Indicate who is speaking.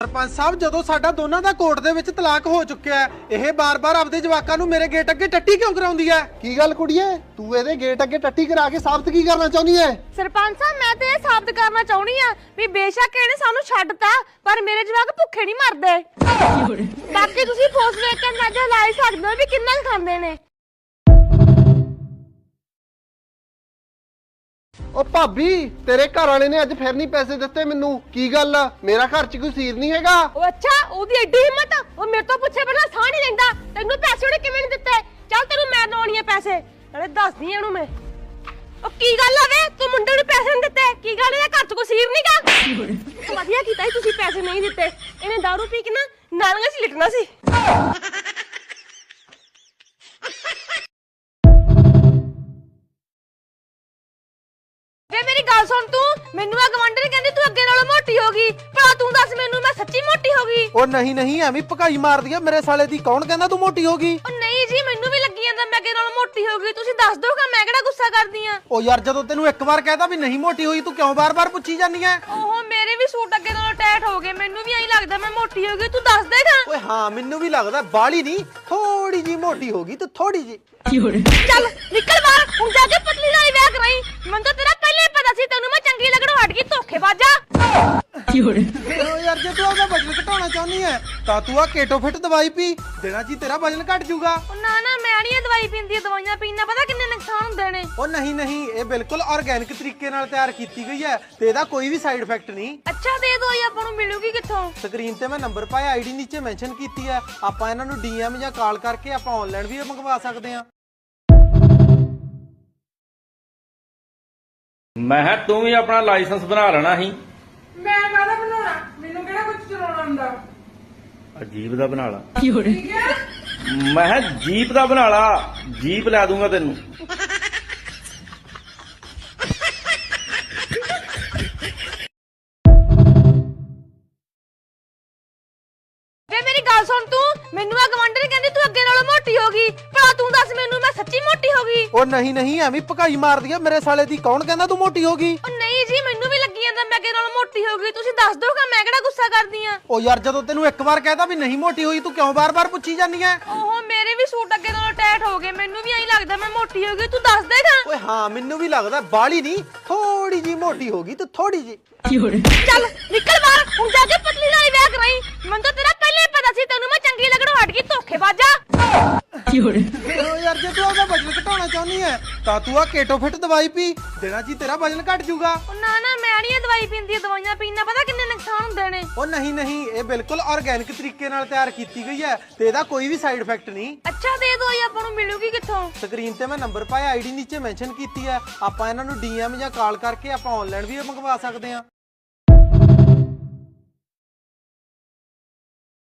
Speaker 1: ਸਰਪੰਚ ਸਾਹਿਬ ਜਦੋਂ ਸਾਡਾ ਦੋਨਾਂ ਦਾ ਕੋਰਟ ਦੇ ਵਿੱਚ ਤਲਾਕ ਹੋ ਚੁੱਕਿਆ ਹੈ, ਇਹ ਬਾਰ-ਬਾਰ ਆਪਦੇ ਜਵਾਕਾਂ ਨੂੰ ਮੇਰੇ ਗੇਟ ਅੱਗੇ ਟੱਟੀ ਕਿਉਂ ਕਰਾਉਂਦੀ ਹੈ?
Speaker 2: ਕੀ ਗੱਲ ਕੁੜੀਏ, ਤੂੰ ਇਹਦੇ ਗੇਟ ਅੱਗੇ ਟੱਟੀ ਕਰਾ ਕੇ ਸਾਬਤ ਕੀ ਕਰਨਾ ਚਾਹੁੰਦੀ ਐ?
Speaker 3: ਸਰਪੰਚ ਸਾਹਿਬ ਮੈਂ ਤੇ ਇਹ ਸਾਬਤ ਕਰਨਾ ਚਾਹੁੰਦੀ ਆ ਵੀ ਬੇਸ਼ੱਕ ਇਹਨੇ ਸਾਨੂੰ ਛੱਡਤਾ ਪਰ ਮੇਰੇ ਜਵਾਕ ਭੁੱਖੇ ਨਹੀਂ ਮਰਦੇ। ਬਾਕੀ ਤੁਸੀਂ ਫੋਸ ਵੇਖ ਕੇ ਅੰਦਾਜ਼ਾ ਲਾ ਹੀ ਸਕਦੇ ਹੋ ਵੀ ਕਿੰਨਾ ਕੁ ਖਾਂਦੇ ਨੇ।
Speaker 2: ਓ ਭਾਬੀ, ਤੇਰੇ ਘਰ ਵਾਲੇ ਨੇ ਅੱਜ ਫਿਰ ਨਹੀਂ ਪੈਸੇ ਦਿੱਤੇ ਮੈਨੂੰ, ਕੀ ਗੱਲ? ਮੇਰਾ ਘਰ 'ਚ ਕੋਈ ਸੀਰ ਨਹੀਂ ਹੈਗਾ?
Speaker 3: ਉਹ ਅੱਛਾ, ਉਹਦੀ ਐਡੀ ਹਿੰਮਤ, ਉਹ ਮੇਰੇ ਤੋਂ ਪੁੱਛੇ ਬਿਨਾਂ ਸਾਹ ਨਹੀਂ ਲੈਂਦਾ। ਤੈਨੂੰ ਪੈਸੇ ਉਹਨੇ ਕਿਵੇਂ ਨਹੀਂ ਦਿੱਤੇ? ਚੱਲ ਤੈਨੂੰ ਮੈਂ ਲਾਉਣੀ ਆ ਪੈਸੇ, ਨਾਲੇ ਦੱਸਦੀ ਇਹਨੂੰ ਮੈਂ। ਉਹ ਕੀ ਗੱਲ ਆ ਵੇ, ਤੂੰ ਮੁੰਡੇ ਨੂੰ ਪੈਸੇ ਨਹੀਂ ਦਿੱਤੇ? ਕੀ ਗੱਲ ਇਹਦੇ ਘਰ 'ਚ ਕੋਈ ਸੀਰ ਨਹੀਂਗਾ? ਵਧੀਆ ਕੀਤਾ ਸੀ ਤੁਸੀਂ ਪੈਸੇ ਨਹੀਂ ਦਿੱਤੇ, ਇਹਨੇ ਦਾਰੂ ਪੀ ਕੇ ਨਾ ਨਾਲੀਆਂ 'ਚ ਲਿਟਣਾ ਸੀ। ਮੇਰੀ ਗੱਲ ਸੁਣ, ਤੂੰ ਮੈਨੂੰ ਆ ਗਵੰਡਰ ਕਹਿੰਦੀ ਤੂੰ ਅੱਗੇ ਨਾਲੋਂ ਮੋਟੀ ਹੋ ਗਈ, ਭਲਾ ਤੂੰ ਦੱਸ ਮੈਨੂੰ ਮੈਂ ਸੱਚੀ ਮੋਟੀ ਹੋ ਗਈ?
Speaker 1: ਉਹ ਨਹੀਂ ਐਵੇਂ ਭਕਾਈ ਮਾਰਦੀ ਆ ਮੇਰੇ ਸਾਲੇ ਦੀ। ਕੌਣ ਕਹਿੰਦਾ ਤੂੰ ਮੋਟੀ ਹੋ ਗਈ?
Speaker 3: ਉਹ ਨਹੀਂ ਜੀ, ਮੈਨੂੰ ਵੀ ਲੱਗੀ ਜਾਂਦਾ ਮੈਂ ਅੱਗੇ ਨਾਲੋਂ ਮੋਟੀ ਹੋ ਗਈ। ਤੁਸੀਂ ਦੱਸ ਦੋਗਾ, ਮੈਂ ਕਿਹੜਾ ਗੁੱਸਾ ਕਰਦੀ ਆ?
Speaker 1: ਉਹ ਯਾਰ ਜਦੋਂ ਤੈਨੂੰ ਇੱਕ ਵਾਰ ਕਹਿਤਾ ਵੀ ਨਹੀਂ ਮੋਟੀ ਹੋਈ, ਤੂੰ ਕਿਉਂ ਬਾਰ-ਬਾਰ ਪੁੱਛੀ ਜਾਂਦੀ ਐ?
Speaker 3: ਓਹੋ, ਮੇਰੇ ਵੀ ਸੂਟ ਅੱਗੇ ਨਾਲੋਂ ਟਾਈਟ ਹੋ ਗਏ, ਮੈਨੂੰ ਵੀ ਐਂ ਲੱਗਦਾ ਮੈਂ ਮੋਟੀ ਹੋ ਗਈ। ਤੂੰ ਦੱਸ ਦੇਗਾ?
Speaker 1: ਓਏ ਹਾਂ, ਮੈਨੂੰ ਵੀ ਲੱਗਦਾ ਬਾਲੀ ਨਹੀਂ, ਥੋੜੀ ਜੀ ਮੋਟੀ ਹੋ ਗਈ, ਤੂੰ ਥੋੜੀ ਜੀ।
Speaker 3: ਚੱਲ ਨਿਕਲ ਬਾਹਰ, ਹੁਣ ਜਾ ਕੇ ਪਤਲੀ ਨਾਲ ਵਿਆਹ ਕਰਾਈ। ਮੈਨੂੰ ਤਾਂ ਤੇਰਾ ਪਹਿਲੇ ਪਤਾ ਸੀ ਤੈਨੂੰ ਮੈਂ ਚੰਗੀ ਲੱਗਣੋਂ ਹਟ ਗਈ, ਧੋਖੇਬਾਜ਼ਾ।
Speaker 1: ਓ ਯਾਰ ਜੇ ਤੂੰ ਆਪਦਾ ਵਜਨ ਘਟਾਉਣਾ ਚਾਹੁੰਦੀ ਐ ਤਾਂ ਤੂੰ ਆ ਕੇਟੋ ਫਿਟ ਦਵਾਈ ਪੀ, ਦੇਣਾ ਜੀ ਤੇਰਾ ਵਜਨ ਘਟ ਜਾਊਗਾ।
Speaker 3: ਉਹ ਨਾ ਮੈਂ ਨਹੀਂ ਇਹ ਦਵਾਈ ਪੀਂਦੀ, ਦਵਾਈਆਂ ਪੀਣ ਨਾਲ ਪਤਾ ਕਿੰਨੇ ਨੁਕਸਾਨ ਹੁੰਦੇ ਨੇ।
Speaker 1: ਉਹ ਨਹੀਂ, ਇਹ ਬਿਲਕੁਲ ਆਰਗੈਨਿਕ ਤਰੀਕੇ ਨਾਲ ਤਿਆਰ ਕੀਤੀ ਗਈ ਹੈ ਤੇ ਇਹਦਾ ਕੋਈ ਵੀ ਸਾਈਡ ਇਫੈਕਟ ਨਹੀਂ।
Speaker 3: ਅੱਛਾ, ਦੇ ਦਵਾਈ ਆਪਾਂ ਨੂੰ ਮਿਲੂਗੀ ਕਿੱਥੋਂ?
Speaker 1: ਸਕਰੀਨ ਤੇ ਮੈਂ ਨੰਬਰ ਪਾਇਆ, ਆਈਡੀ ਨੀਚੇ ਮੈਂਸ਼ਨ ਕੀਤੀ ਹੈ। ਆਪਾਂ ਇਹਨਾਂ ਨੂੰ ਡੀਐਮ ਜਾਂ ਕਾਲ ਕਰਕੇ ਆਪਾਂ ਆਨਲਾਈਨ ਵੀ ਮੰਗਵਾ ਸਕਦੇ ਹਾਂ।
Speaker 4: ਮੈਂ ਕਿਹਾ ਤੂੰ ਵੀ ਆਪਣਾ ਲਾਇਸੈਂਸ ਬਣਾ ਲੈਣਾ ਸੀ।
Speaker 5: ਮੈਂ ਕਾਹਦਾ ਬਣਾਉਣਾ, ਮੈਨੂੰ ਕਿਹੜਾ ਕੁਝ ਚਲਾਉਣਾ ਹੁੰਦਾ।
Speaker 4: ਅਜੀਬ ਦਾ ਬਣਾ ਲਾ।
Speaker 5: ਠੀਕ ਹੈ,
Speaker 4: ਮੈਂ ਕਿਹਾ ਜੀਪ ਦਾ ਬਣਾ ਲਾ, ਜੀਪ ਲੈ ਦੂੰਗਾ ਤੈਨੂੰ।
Speaker 3: ਵੇ ਮੇਰੀ ਗੱਲ ਸੁਣ, ਤੂੰ ਮੈਨੂੰ ਆ ਗਵੰਡਰ ਕਹਿੰਦੀ ਤੂੰ ਅੱਗੇ ਨਾਲੋਂ ਮੋਟੀ ਹੋ ਗਈ, ਭਲਾ ਤੂੰ ਦੱਸ ਮੈਨੂੰ ਮੈਂ ਸੱਚੀ ਮੋਟੀ ਹੋ ਗਈ?
Speaker 1: ਉਹ ਨਹੀਂ ਐਵੇਂ ਭਕਾਈ ਮਾਰਦੀ ਆ ਮੇਰੇ ਸਾਲੇ ਦੀ। ਕੌਣ ਕਹਿੰਦਾ ਤੂੰ ਮੋਟੀ ਹੋ ਗਈ?
Speaker 3: ਉਹ ਨਹੀਂ ਜੀ, ਮੈਨੂੰ ਵੀ ਲੱਗੀ ਜਾਂਦਾ ਮੈਂ ਅੱਗੇ ਨਾਲੋਂ ਮੋਟੀ ਹੋ ਗਈ। ਤੁਸੀਂ ਦੱਸ ਦੋਗਾ, ਮੈਂ ਕਿਹੜਾ ਗੁੱਸਾ ਕਰਦੀ ਆ?
Speaker 1: ਉਹ ਯਾਰ ਜਦੋਂ ਤੈਨੂੰ ਇੱਕ ਵਾਰ ਕਹਿਤਾ ਵੀ ਨਹੀਂ ਮੋਟੀ ਹੋਈ, ਤੂੰ ਕਿਉਂ ਬਾਰ-ਬਾਰ ਪੁੱਛੀ ਜਾਂਦੀ ਐ?
Speaker 3: ਓਹੋ, ਮੇਰੇ ਵੀ ਸੂਟ ਅੱਗੇ ਨਾਲੋਂ ਟਾਈਟ ਹੋ ਗਏ, ਮੈਨੂੰ ਵੀ ਐਂ ਲੱਗਦਾ ਮੈਂ ਮੋਟੀ ਹੋ ਗਈ। ਤੂੰ ਦੱਸ ਦੇਗਾ?
Speaker 1: ਓਏ ਹਾਂ, ਮੈਨੂੰ ਵੀ ਲੱਗਦਾ ਬਾਲੀ ਨਹੀਂ, ਥੋੜੀ ਜੀ ਮੋਟੀ ਹੋ ਗਈ, ਤੂੰ ਥੋੜੀ ਜੀ।
Speaker 3: ਚੱਲ ਨਿਕਲ ਬਾਹਰ, ਹੁਣ ਜਾ ਕੇ ਪਤਲੀ ਨਾਲ ਵਿਆਹ ਕਰਾਈ। ਮੈਨੂੰ ਤਾਂ ਤੇਰਾ ਪਹਿਲੇ ਪਤਾ ਸੀ ਤੈਨੂੰ ਮੈਂ ਚੰਗੀ ਲੱਗਣੋਂ ਹਟ ਗਈ, ਧੋਖੇਬਾਜ਼ਾ।
Speaker 1: ਓ ਯਾਰ ਜੇ ਤੂੰ ਆਪਦਾ ਵਜਨ ਘਟਾਉਣਾ ਚਾਹੁੰਦੀ ਐ ਤਾਂ ਤੂੰ ਆ ਕੇਟੋ ਫਿਟ ਦਵਾਈ ਪੀ, ਦੇਣਾ ਜੀ ਤੇਰਾ ਵਜਨ ਘਟ ਜਾਊਗਾ।
Speaker 3: ਉਹ ਨਾ ਮੈਂ ਨਹੀਂ ਇਹ ਦਵਾਈ ਪੀਂਦੀ, ਦਵਾਈਆਂ ਪੀਣ ਨਾਲ ਪਤਾ ਕਿੰਨੇ ਨੁਕਸਾਨ ਹੁੰਦੇ ਨੇ।
Speaker 1: ਉਹ ਨਹੀਂ, ਇਹ ਬਿਲਕੁਲ ਆਰਗੈਨਿਕ ਤਰੀਕੇ ਨਾਲ ਤਿਆਰ ਕੀਤੀ ਗਈ ਹੈ ਤੇ ਇਹਦਾ ਕੋਈ ਵੀ ਸਾਈਡ ਇਫੈਕਟ ਨਹੀਂ।
Speaker 3: ਅੱਛਾ, ਦੇ ਦਵਾਈ ਆਪਾਂ ਨੂੰ ਮਿਲੂਗੀ ਕਿੱਥੋਂ?
Speaker 1: ਸਕਰੀਨ ਤੇ ਮੈਂ ਨੰਬਰ ਪਾਇਆ, ਆਈਡੀ ਨੀਚੇ ਮੈਂਸ਼ਨ ਕੀਤੀ ਹੈ। ਆਪਾਂ ਇਹਨਾਂ ਨੂੰ ਡੀਐਮ ਜਾਂ ਕਾਲ ਕਰਕੇ ਆਪਾਂ ਆਨਲਾਈਨ ਵੀ ਮੰਗਵਾ ਸਕਦੇ ਹਾਂ।